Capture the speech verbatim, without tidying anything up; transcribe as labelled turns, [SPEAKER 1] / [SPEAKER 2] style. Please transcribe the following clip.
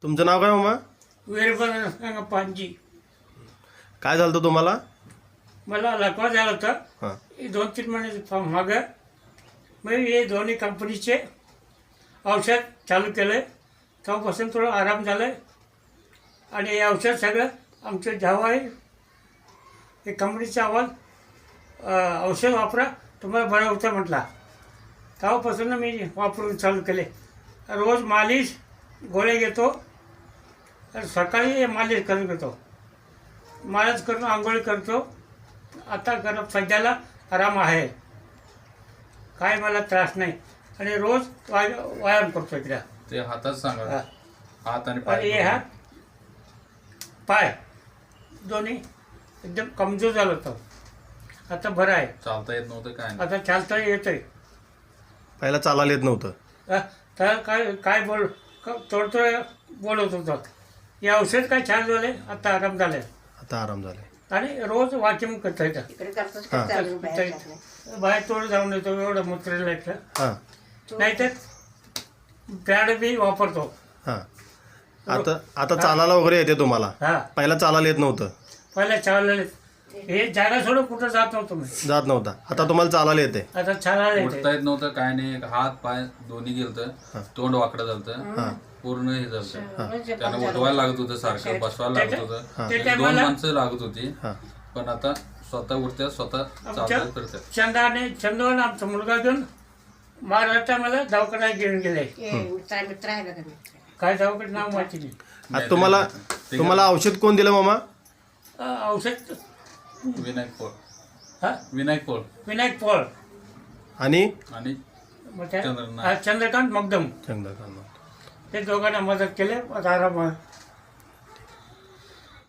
[SPEAKER 1] तुमचं नाव काय मामा?
[SPEAKER 2] वीरभद्र पानजी.
[SPEAKER 1] काय झालं होतं तुम्हाला?
[SPEAKER 2] मला लकवा झाला होता.
[SPEAKER 1] हां
[SPEAKER 2] हे दोन तीन महिने मागं मग हे दोन्ही कंपनीचे औषध चालू केलं. तेव्हापासून थोडं आराम झालं आहे. आणि हे औषध सगळं आमचं जेव्हा आहे हे कंपनीचा आवाज औषध वापरा तुम्हाला बरं होतं म्हटला. तेव्हापासून मी वापरून चालू केले. रोज मालिश गोळ्या घेतो. सकाळी मालिश करून घेतो. मालिश करून आंघोळी करतो. आता गरम सध्याला आराम आहे. काय मला त्रास नाही. आणि रोज वाय व्यायाम करतो इकडे.
[SPEAKER 3] ते हातात सांगा.
[SPEAKER 2] हा.
[SPEAKER 3] हात आणि
[SPEAKER 2] आणि
[SPEAKER 3] पाय
[SPEAKER 2] हे हात पाय दोन्ही एकदम कमजोर झालं होतं. आता बरं आहे.
[SPEAKER 3] चालता येत नव्हतं काय नाही.
[SPEAKER 2] आता चालता येतंय.
[SPEAKER 1] पहिला चालायला येत नव्हतं.
[SPEAKER 2] अ, तर काय काय बोल थोडं थोडं बोलत होतं. हे औषध काय छान झाले. आता आराम झाले.
[SPEAKER 1] आता आराम झालाय.
[SPEAKER 2] आणि रोज वॉकिंग करता येतं. बाहेर थोडं जाऊन येतो एवढं मुत्रेला इथलं.
[SPEAKER 1] हां
[SPEAKER 2] नाहीतर पॅड बी वापरतो.
[SPEAKER 1] हां आता आता चालायला वगैरे येते तुम्हाला?
[SPEAKER 2] हा
[SPEAKER 1] पहिला चालायला येत नव्हतं.
[SPEAKER 2] पहिल्या चाललेले हे जागा सोडून कुठं जात नव्हतो मी.
[SPEAKER 1] जात नव्हता. आता तुम्हाला चालायला येते.
[SPEAKER 2] आता चालायला
[SPEAKER 3] उठता
[SPEAKER 2] येते.
[SPEAKER 3] येत नव्हतं काय नाही. हात पाय दोन्ही गेलतं. तोंड वाकडं झालतं.
[SPEAKER 1] हां
[SPEAKER 3] पूर्ण हे झालं. त्यांना उठवायला लागत होतं सारखं. बसवायला लागत होतं.
[SPEAKER 1] हां
[SPEAKER 2] ते
[SPEAKER 3] दोन
[SPEAKER 2] टायमाला
[SPEAKER 3] माणसं लागत होती.
[SPEAKER 1] हां
[SPEAKER 3] पण आता स्वतः उठत्या स्वतः
[SPEAKER 2] आमच्या
[SPEAKER 3] चालतात करतात.
[SPEAKER 2] चंदाने चंदन आमचा मुलगा घेऊन महाराष्ट्रामध्ये दवाखान्यात घेऊन गेले. काय दवाखान्यात नाव माहिती नाही.
[SPEAKER 1] आता तुम्हाला तुम्हाला औषध कोण दिलं मामा?
[SPEAKER 2] अ, औषध
[SPEAKER 3] विनायक पोळ.
[SPEAKER 2] हा
[SPEAKER 3] विनायक पोळ
[SPEAKER 2] विनायक पॉल
[SPEAKER 1] आणि
[SPEAKER 3] आणि
[SPEAKER 2] मग त्या-
[SPEAKER 3] चंद्रनाथ.
[SPEAKER 2] हा, चंद्रकांत मगदम
[SPEAKER 1] चंद्रकांत.
[SPEAKER 2] ते दोघांना मदत केले. आता आराम आहे.